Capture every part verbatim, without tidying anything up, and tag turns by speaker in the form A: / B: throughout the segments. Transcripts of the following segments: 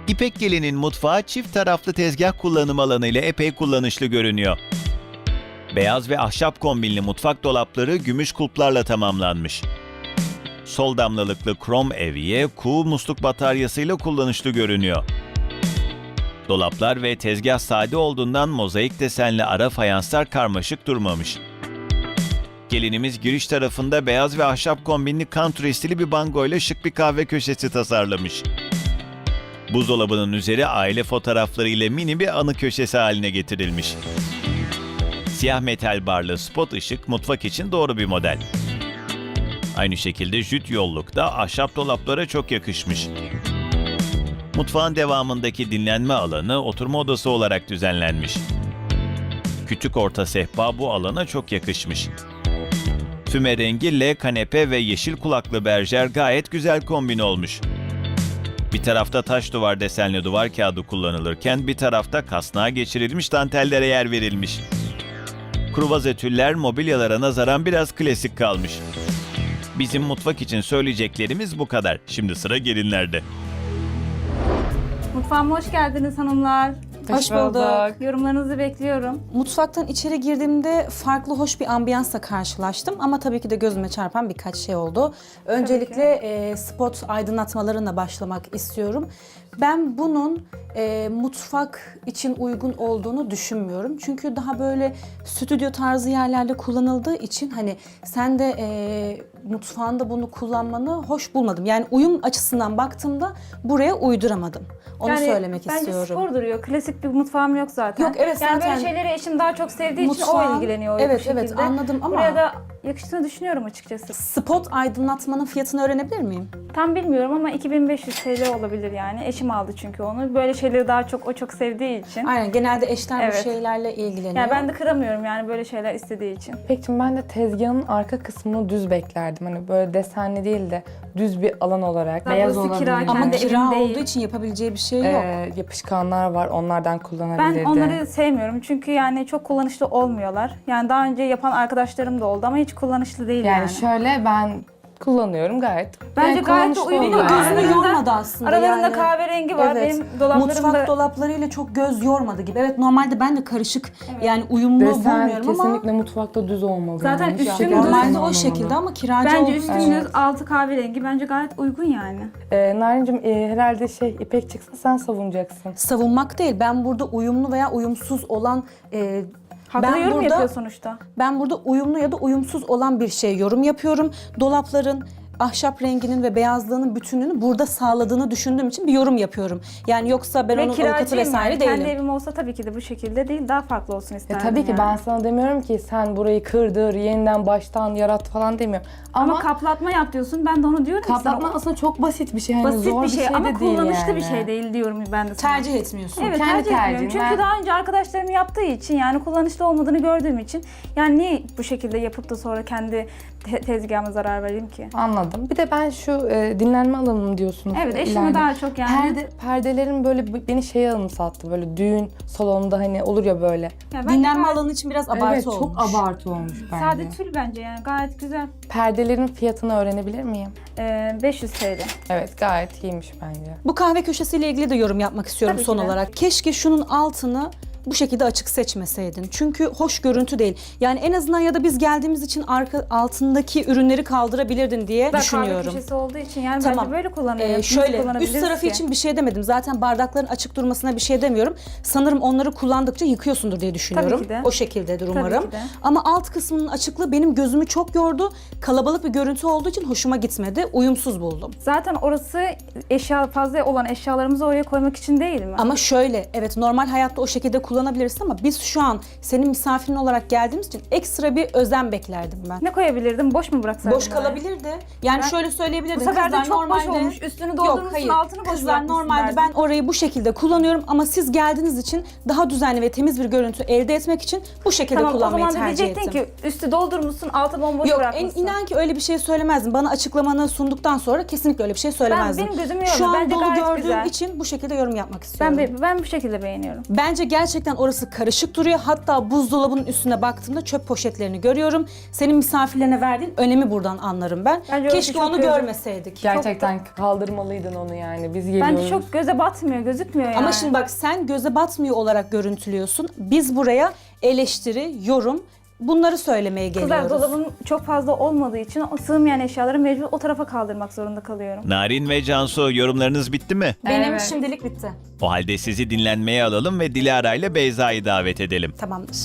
A: İpek Gelin'in mutfağı çift taraflı tezgah kullanım alanı ile epey kullanışlı görünüyor. Beyaz ve ahşap kombinli mutfak dolapları gümüş kulplarla tamamlanmış. Sol damlalıklı krom evye, kuğu musluk bataryasıyla kullanışlı görünüyor. Dolaplar ve tezgah sade olduğundan mozaik desenli ara fayanslar karmaşık durmamış. Gelinimiz giriş tarafında beyaz ve ahşap kombinli country stili bir bango ile şık bir kahve köşesi tasarlamış. Buzdolabının üzeri aile fotoğrafları ile mini bir anı köşesi haline getirilmiş. Siyah metal barlı spot ışık mutfak için doğru bir model. Aynı şekilde jüt yollukta ahşap dolaplara çok yakışmış. Mutfağın devamındaki dinlenme alanı oturma odası olarak düzenlenmiş. Küçük orta sehpa bu alana çok yakışmış. Füme rengi L kanepe ve yeşil kulaklı berjer gayet güzel kombin olmuş. Bir tarafta taş duvar desenli duvar kağıdı kullanılırken bir tarafta kasnağa geçirilmiş dantellere yer verilmiş. Kruvaze tüller mobilyalara nazaran biraz klasik kalmış. Bizim mutfak için söyleyeceklerimiz bu kadar. Şimdi sıra gelinlerde.
B: Mutfağıma hoş geldiniz hanımlar.
C: Hoş bulduk.
B: Yorumlarınızı bekliyorum.
C: Mutfaktan içeri girdiğimde farklı hoş bir ambiyansla karşılaştım ama tabii ki de gözüme çarpan birkaç şey oldu. Öncelikle e, spot aydınlatmalarına başlamak istiyorum. Ben bunun e, mutfak için uygun olduğunu düşünmüyorum. Çünkü daha böyle stüdyo tarzı yerlerde kullanıldığı için hani sen de e, mutfağında bunu kullanmanı hoş bulmadım. Yani uyum açısından baktığımda buraya uyduramadım. Onu
B: Yani
C: söylemek
B: bence
C: istiyorum.
B: spor duruyor. Klasik bir mutfağım yok zaten.
C: Yok, evet,
B: yani
C: zaten
B: böyle şeyleri eşim daha çok sevdiği için
C: mutfağın-
B: o ilgileniyor.
C: Evet,
B: bu şekilde.
C: evet, anladım ama-
B: Buraya da yakıştığını düşünüyorum açıkçası.
C: Spot aydınlatmanın fiyatını öğrenebilir miyim?
B: Tam bilmiyorum ama iki bin beş yüz T L olabilir yani. Eşim aldı çünkü onu. Böyle şeyleri daha çok o çok sevdiği için.
C: Aynen, genelde eşler
B: Evet.
C: bu şeylerle ilgileniyor.
B: Yani ben de kıramıyorum yani böyle şeyler istediği için.
D: Peki ben de tezgahın arka kısmını düz beklerdim. Hani böyle desenli değil de düz bir alan olarak.
B: Daha
D: Beyaz
B: burası
D: olabilir.
B: kira,
C: Ama
B: kendi
C: kira
B: evim değil.
C: olduğu için yapabileceği bir şey yok.
D: Ee, yapışkanlar var, onlardan
B: Ben
D: kullanabilirdi.
B: onları sevmiyorum çünkü yani çok kullanışlı olmuyorlar. Yani daha önce yapan arkadaşlarım da oldu ama hiç kullanışlı değil yani.
D: Yani şöyle ben kullanıyorum gayet.
B: Bence
D: Yani
B: gayet de
D: kullanışlı
B: uyumlu.
D: oluyor.
C: Gözümü
B: Aralarında-
C: yormadı aslında.
B: Aralarında
C: yani.
B: kahverengi var.
C: Evet.
B: Benim dolaplarımda...
C: Mutfak dolaplarıyla çok göz yormadı gibi. Evet, normalde ben de karışık yani uyumlu
D: Desen
C: bulmuyorum
D: kesinlikle
C: ama
D: mutfakta düz olmalı.
B: Zaten
D: yani. Hiç
B: üstün
D: şekilde
B: düz
C: normalde o
D: olmamalı.
C: şekilde ama kiracı
B: Bence
C: olduğu
B: üstün
C: için-
B: düz altı kahverengi bence gayet uygun yani.
D: Ee, Narin'cim e, herhalde şey İpek çıksa sen savunacaksın.
C: savunmak değil. Ben burada uyumlu veya uyumsuz olan e,
B: Haklı
C: ben
B: yorum
C: burada
B: yapıyor sonuçta.
C: ben burada uyumlu ya da uyumsuz olan bir şey yorum yapıyorum. Dolapların ahşap renginin ve beyazlığının bütününü burada sağladığını düşündüğüm için bir yorum yapıyorum. Yani yoksa ben
B: Ve
C: onun avukatı
B: kiracıyım
C: vesaire
B: yani.
C: değilim.
B: Kendi evim olsa tabii ki de bu şekilde değil, daha farklı olsun
D: E
B: isterdim
D: tabii ki
B: yani.
D: ben sana demiyorum ki sen burayı kırdır, yeniden baştan yarat falan demiyorum.
B: Ama,
D: Ama,
B: kaplatma yap diyorsun, ben de onu diyorum ki
D: kaplatma
B: sana.
D: aslında çok basit bir şey. Hani
B: Basit
D: zor
B: bir şey,
D: de
B: ama
D: değil
B: kullanışlı
D: yani.
B: bir şey değil diyorum ben de sana.
C: Tercih etmiyorsun.
B: Evet,
D: Kendi
B: tercih etmiyorum.
D: tercihim.
B: Çünkü
D: Ben-
B: daha önce arkadaşlarım yaptığı için yani kullanışlı olmadığını gördüğüm için yani niye bu şekilde yapıp da sonra kendi te- tezgahıma zarar vereyim ki?
D: Anladım. Bir de ben şu e, dinlenme alanım diyorsunuz.
B: Evet,
D: e,
B: eşime
D: ileride.
B: daha çok yani.
D: Perde, perdelerin böyle b- beni şeye anımsattı. Böyle düğün salonunda hani olur ya böyle.
B: Ya bence
C: Dinlenme
B: gayet
C: alanı için biraz abartı
D: evet,
C: olmuş.
D: çok abartı olmuş bence.
B: Sade tül bence yani gayet güzel.
D: Perdelerin fiyatını öğrenebilir miyim?
B: Ee, beş yüz T L.
D: Evet, gayet iyiymiş bence.
C: Bu kahve köşesiyle ilgili de yorum yapmak istiyorum
B: Tabii
C: son
B: ki de.
C: olarak. Keşke şunun altını bu şekilde açık seçmeseydin. Çünkü hoş görüntü değil. Yani en azından ya da biz geldiğimiz için arka altındaki ürünleri kaldırabilirdin diye
B: Da kahve
C: düşünüyorum.
B: köşesi olduğu için yani
C: Tamam.
B: bence böyle kullanıyor.
C: Ee,
B: Nasıl
C: şöyle üst
B: kullanabiliriz
C: tarafı
B: ki?
C: için bir şey demedim. Zaten bardakların açık durmasına bir şey demiyorum. Sanırım onları kullandıkça yıkıyorsundur diye düşünüyorum.
B: Tabii ki de.
C: O şekildedir
B: Tabii
C: umarım.
B: ki de.
C: Ama alt kısmının açıklığı benim gözümü çok yordu. Kalabalık bir görüntü olduğu için hoşuma gitmedi. Uyumsuz buldum.
B: Zaten orası eşya fazla olan eşyalarımızı oraya koymak için değil mi?
C: Ama şöyle, evet normal hayatta o şekilde kullanabilirsin ama biz şu an senin misafirin olarak geldiğimiz için ekstra bir özen beklerdim ben.
B: Ne koyabilirdim? Boş mu bıraksaydım?
C: Boş
B: oraya?
C: kalabilirdi. Yani
B: Ben-
C: şöyle
B: Bu
C: söyleyebilirdim.
B: sefer de
C: Kızlar
B: çok
C: normalde...
B: boş olmuş. Üstünü
C: Yok,
B: doldurmuşsun,
C: hayır.
B: altını boş
C: Kızlar
B: bırakmışsın
C: normalde
B: derdim.
C: ben orayı bu şekilde kullanıyorum ama siz geldiğiniz için daha düzenli ve temiz bir görüntü elde etmek için bu şekilde
B: Tamam, o
C: kullanmayı
B: zaman da
C: tercih
B: diyecektin
C: ettim.
B: ki üstü doldurmuşsun, altı bomboş
C: Yok, en,
B: bırakmışsın.
C: inan ki öyle bir şey söylemezdim. Bana açıklamanı sunduktan sonra kesinlikle öyle bir şey söylemezdim.
B: benim gözümü yordu.
C: Şu an
B: Bence
C: dolu
B: gayet
C: gördüğüm
B: güzel.
C: için bu şekilde yorum yapmak istiyorum.
B: ben, ben bu şekilde beğeniyorum.
C: Bence gerçekten Gerçekten orası karışık duruyor. Hatta buzdolabının üstüne baktığımda çöp poşetlerini görüyorum. Senin misafirlerine verdiğin önemi buradan anlarım ben.
B: Bence orası
C: Keşke
B: çok
C: onu
B: göze-
C: görmeseydik.
D: Gerçekten kaldırmalıydın onu yani. Biz geliyoruz.
B: Bence çok göze batmıyor, gözükmüyor yani.
C: Ama şimdi bak sen göze batmıyor olarak görüntülüyorsun. Biz buraya eleştiri, yorum bunları söylemeye
B: Kızlar
C: geliyoruz.
B: dolabın çok fazla olmadığı için o sığmayan eşyaları mecbur o tarafa kaldırmak zorunda kalıyorum.
A: Narin ve Cansu, yorumlarınız bitti mi?
C: Benim
D: Evet.
C: şimdilik bitti.
A: O halde sizi dinlenmeye alalım ve Dilara ile Beyza'yı davet edelim.
C: Tamamdır.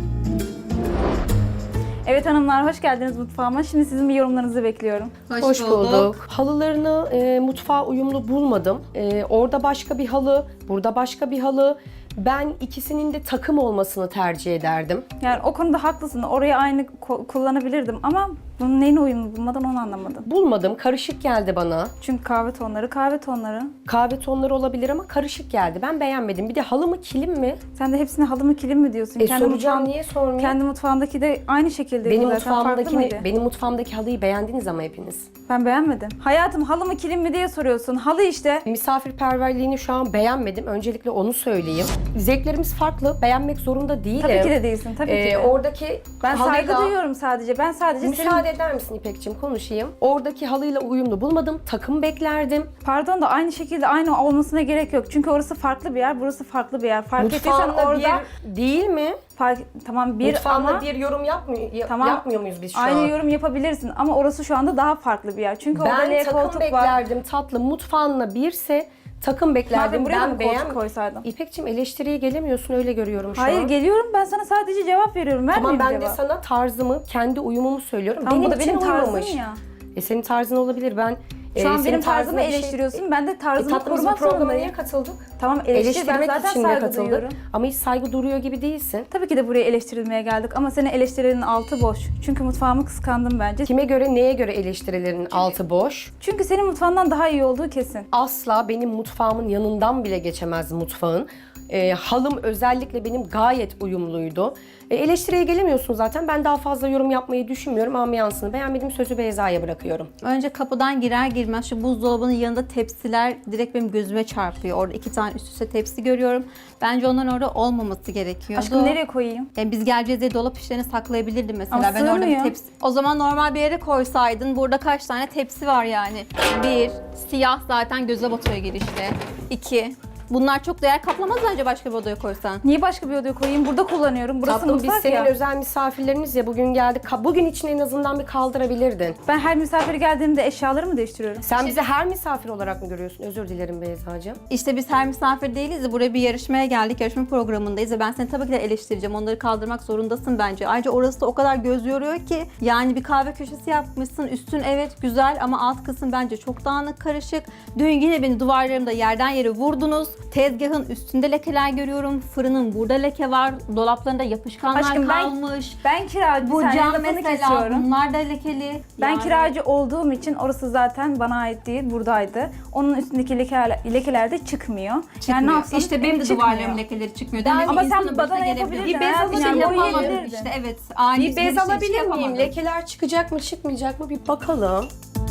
B: Evet hanımlar, hoş geldiniz mutfağıma. Şimdi sizin bir yorumlarınızı bekliyorum.
E: Hoş, bulduk. Halılarını e, mutfağa uyumlu bulmadım. E, orada başka bir halı, burada başka bir halı. Ben ikisinin de takım olmasını tercih ederdim.
B: Yani o konuda haklısın. Orayı aynı ko- kullanabilirdim ama bunun neyine uyumlu bulmadan onu anlamadım.
E: Bulmadım, karışık geldi bana.
B: Çünkü kahve tonları, kahve tonları.
E: Kahve tonları olabilir ama karışık geldi. Ben beğenmedim. Bir de halı mı, kilim mi?
B: Sen de hepsine halı mı kilim mi diyorsun?
E: E soracağım,
B: mutfağın-
E: niye sormayayım?
B: Kendi mutfağındaki de aynı şekilde.
E: Benim
B: zaten. Farklı
E: mutfağımdaki
B: mıydı?
E: benim mutfağımdaki halıyı beğendiniz ama hepiniz.
B: Ben beğenmedim. Hayatım halı mı kilim mi diye soruyorsun. Halı işte.
E: Misafirperverliğini şu an beğenmedim. Öncelikle onu söyleyeyim. Zevklerimiz farklı. Beğenmek zorunda değilim.
B: Tabii ki de değilsin. Tabii
E: Ee,
B: ki de.
E: Oradaki
B: Ben saygı
E: halıyla-
B: duyuyorum sadece. Ben sadece
E: Müsaade
B: senin...
E: eder misin İpek'ciğim, konuşayım. Oradaki halıyla uyumlu bulmadım. Takım beklerdim.
B: Pardon da aynı şekilde aynı olmasına gerek yok. Çünkü orası farklı bir yer, burası farklı bir yer. Fark ettiysen
E: Mutfağında
B: orada...
E: bir değil mi?
B: Fark... Tamam bir
E: Mutfağında
B: ama...
E: bir yorum yapmıyor, ya-
B: Tamam.
E: yapmıyor muyuz biz şu
B: Aynı
E: an?
B: yorum yapabilirsin ama orası şu anda daha farklı bir yer. Çünkü orada
E: Ben
B: L
E: takım
B: koltuk var.
E: beklerdim tatlı. Mutfağında birse takım beklerdim.
B: Madem buraya da
E: Ben
B: mı koltuk
E: beğen...
B: koysaydım?
E: İpek'ciğim eleştiriye gelemiyorsun, öyle görüyorum şu
B: Hayır
E: an.
B: geliyorum, ben sana sadece cevap veriyorum.
E: Ama
B: Vermeyeyim
E: ben de
B: cevap.
E: sana tarzımı, kendi uyumumu söylüyorum.
B: Tamam,
E: benim
B: bu da
E: için
B: benim tarzım
E: uymamış.
B: ya.
E: E senin tarzın olabilir. Ben
B: Şu
E: e,
B: an
E: senin
B: benim tarzımı
E: tarzına bir şey-
B: eleştiriyorsun. Ben de
E: E,
B: tarzımı
E: tatlımızın
B: korumak
E: programına
B: zorundayım.
E: niye katıldık?
B: Tamam eleştir, ben
E: Eleştirmek
B: zaten
E: için de
B: saygı
E: katıldık.
B: duyuyorum.
E: Ama hiç saygı duruyor gibi değilsin.
B: Tabii ki de buraya eleştirilmeye geldik ama senin eleştirilerin altı boş. Çünkü mutfağımı kıskandım bence.
E: Kime göre, neye göre eleştirilerin altı boş?
B: Çünkü senin mutfağından daha iyi olduğu kesin.
E: Asla benim mutfağımın yanından bile geçemez mutfağın. E, halım özellikle benim gayet uyumluydu. E, eleştiriye gelemiyorsun zaten. Ben daha fazla yorum yapmayı düşünmüyorum. Ambiyansını beğenmediğim sözü Beyza'ya bırakıyorum.
F: Önce kapıdan girer girmez şu buzdolabının yanında tepsiler direkt benim gözüme çarpıyor. Orada iki tane üst üste tepsi görüyorum. Bence onların orada olmaması gerekiyordu.
B: Aşkım nereye koyayım?
F: Yani biz geleceğiz diye dolap işlerini saklayabilirdim mesela.
B: Ama
F: ben orada bir
B: sığmıyor.
F: tepsi... O zaman normal bir yere koysaydın. Burada kaç tane tepsi var yani? Bir, siyah zaten göze batıyor girişte. İki, bunlar çok değer kaplamaz bence başka bir odaya koysan.
B: Niye başka bir odaya koyayım? Burada kullanıyorum. Burası
E: Tatlım, biz
B: mutfak
E: senin
B: ya.
E: özel misafirleriniz ya, bugün geldik. Ka- Bugün için en azından bir kaldırabilirdin.
B: Ben her misafir geldiğimde eşyaları mı değiştiriyorum?
E: Sen bizi her misafir olarak mı görüyorsun? Özür dilerim Beyza'cığım.
F: İşte biz her misafir değiliz de buraya bir yarışmaya geldik. Yarışma programındayız ve ben seni tabii ki de eleştireceğim. Onları kaldırmak zorundasın bence. Ayrıca orası da o kadar göz yoruyor ki. Yani bir kahve köşesi yapmışsın. Üstün evet güzel ama alt kısım bence çok dağınık, karışık. Dün yine beni duvarlarımda yerden yere vurdunuz. Tezgahın üstünde lekeler görüyorum. Fırının burada leke var. Dolaplarında yapışkanlar
B: Aşkım ben-
F: kalmış.
B: Ben kiracı,
F: Bu
B: bir saniye
F: cam
B: lafını
F: mesela
B: kesiyorum.
F: bunlar da lekeli.
B: Ben
F: Yani-
B: kiracı olduğum için orası zaten bana ait değil, buradaydı. Onun üstündeki lekeler, lekeler de çıkmıyor. Yani ne
F: Çıkmıyor.
B: yapsam
F: İşte benim de
B: çıkmıyor.
F: duvarlarım lekeleri çıkmıyor.
B: Ben-
F: Demek ki
B: ama sen
F: insanın
B: badana
F: başına gelebiliyor.
B: yapabilirdin.
F: Bir bez
B: hayatım,
F: alacağım
B: yani
F: yapamadım
B: boyayabilirdin.
F: işte evet. Ani
E: Bir bez
F: girişte
E: alabilir miyim?
F: yapamadım.
E: Lekeler çıkacak mı çıkmayacak mı bir bakalım.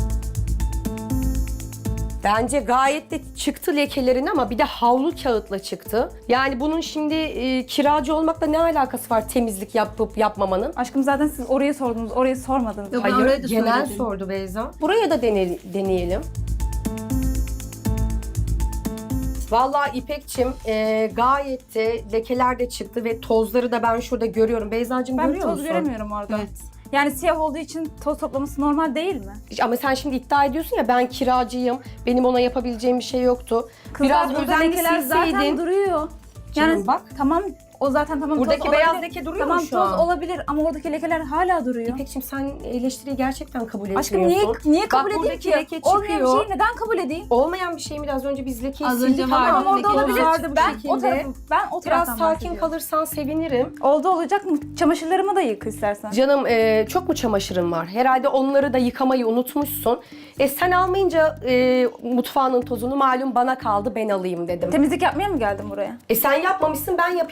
E: Bence gayet de çıktı lekelerin ama bir de havlu kağıtla çıktı. Yani bunun şimdi e, kiracı olmakla ne alakası var temizlik yapıp yapmamanın?
B: Aşkım zaten siz orayı sordunuz, orayı sormadınız.
F: Yok, ben
E: Hayır,
F: orayı da
E: genel
F: söyledim.
E: sordu Beyza. Buraya da dene- deneyelim. Vallahi İpekçim e, gayet de lekeler de çıktı ve tozları da ben şurada görüyorum. Beyza'cığım
B: Ben
E: görüyor
B: toz
E: musun?
B: göremiyorum orada.
F: Evet.
B: Yani siyah olduğu için toz toplaması normal değil mi?
E: Ama sen şimdi iddia ediyorsun ya, ben kiracıyım, benim ona yapabileceğim bir şey yoktu.
B: Kızlar
E: Biraz
B: burada
E: özenli
B: lekeler zaten
E: silseydin.
B: duruyor.
E: Canım bak.
B: Tamam, o zaten tamam
E: Buradaki
B: toz
E: beyaz
B: olabilir.
E: leke duruyor
B: tamam,
E: mu şu
B: toz
E: an?
B: olabilir ama oradaki lekeler hala duruyor.
E: İpekçim sen eleştiriyi gerçekten kabul etmiyorsun.
B: Aşkım niye niye kabul
E: Bak,
B: edeyim
E: buradaki
B: ki?
E: leke
B: Olmayan bir
E: çıkıyor.
B: şeyi neden kabul edeyim?
E: Olmayan bir şey mi? Az önce biz lekeyi
F: Az
E: sildik
F: önce
E: ama
F: vardı,
B: Tamam orada
F: leke
B: olabilir.
E: vardı bu
B: Ben
E: şekilde.
B: o tarafı, ben o
E: Biraz
B: taraftan
E: sakin
B: bahsediyorum.
E: kalırsan sevinirim.
B: Oldu olacak mı? Çamaşırlarımı da yık istersen.
E: Canım e, çok mu çamaşırın var? Herhalde onları da yıkamayı unutmuşsun. E sen almayınca e, mutfağının tozunu malum bana kaldı, ben alayım dedim.
B: Temizlik yapmaya mı geldin buraya?
E: E sen yapmamışsın, ben yapayım dedim.
B: Ben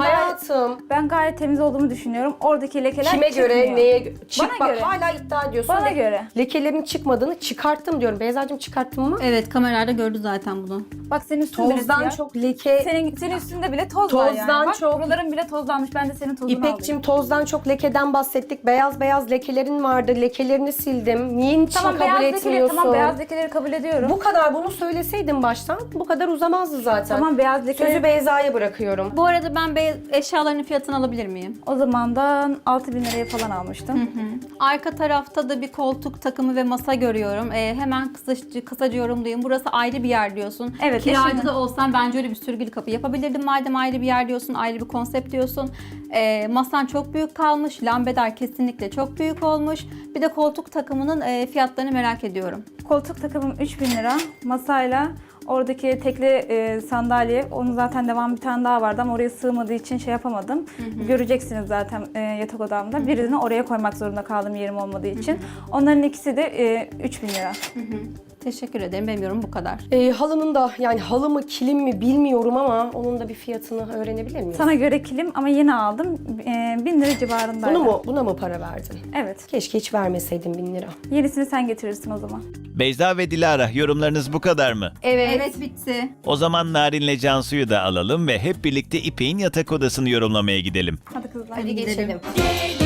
E: hayatım.
B: Ben gayet temiz olduğumu düşünüyorum. Oradaki lekeler
E: Kime göre,
B: çıkmıyor.
E: neye göre? Çık
B: Bana
E: bak
B: göre.
E: hala iddia ediyorsun.
B: Bana
E: Le-
B: göre.
E: Lekelerin çıkmadığını çıkarttım diyorum. Beyzacığım çıkarttın mı?
F: Evet, kameralarda gördü zaten bunu.
B: Bak senin üstün bile
E: Tozdan
B: siyah.
E: çok leke...
B: Senin, senin üstünde bile toz var yani.
E: Tozdan
B: Bak,
E: çok-
B: buraların bile tozlanmış. Ben de senin tozunu
E: İpekçim
B: alayım.
E: tozdan çok lekeden bahsettik. Beyaz beyaz lekelerin vardı. Lekelerini sildim. Niye için
B: Tamam,
E: kabul
B: beyaz lekeleri,
E: etmiyorsun?
B: tamam beyaz lekeleri kabul ediyorum.
E: Bu kadar bunu söyleseydin baştan bu kadar uzamazdı zaten.
B: Tamam, beyaz lekeleri.
E: Sözü Beyza'ya bırakıyorum.
F: Bu arada ben beyaz eşyaların fiyatını alabilir miyim?
B: O zamandan altı bin liraya falan almıştım.
F: Arka tarafta da bir koltuk takımı ve masa görüyorum. Ee, hemen kısaca, kısaca yorumlayayım. Burası ayrı bir yer diyorsun.
B: Evet,
F: Kiracı
B: eşim-
F: da olsan bence öyle bir sürgülü kapı yapabilirdim. Madem ayrı bir yer diyorsun, ayrı bir konsept diyorsun. Ee, masan çok büyük kalmış. Lambader kesinlikle çok büyük olmuş. Bir de koltuk takımının e, fiyatlarını merak ediyorum.
B: Koltuk takımım üç bin lira. Masayla oradaki tekli e, sandalye, onun zaten devam bir tane daha vardı ama oraya sığmadığı için şey yapamadım. Göreceksiniz zaten e, yatak odamda. Birini oraya koymak zorunda kaldım yerim olmadığı için. Onların ikisi de e, üç bin lira.
F: Teşekkür ederim. Benim yorumum bu kadar.
E: Ee, halının da yani halı mı kilim mi bilmiyorum ama onun da bir fiyatını öğrenebilir miyim?
B: Sana göre kilim ama yeni aldım. E, bin lira civarındaydı.
E: Bunu mu, buna mı para verdin?
B: Evet.
E: Keşke hiç vermeseydin bin lira.
B: Yenisini sen getirirsin o zaman.
A: Beyza ve Dilara, yorumlarınız bu kadar mı?
F: Evet. Evet, bitti.
A: O zaman Narin'le Cansu'yu da alalım ve hep birlikte İpek'in yatak odasını yorumlamaya gidelim.
B: Hadi kızlar.
F: Hadi geçelim.
E: Geçelim.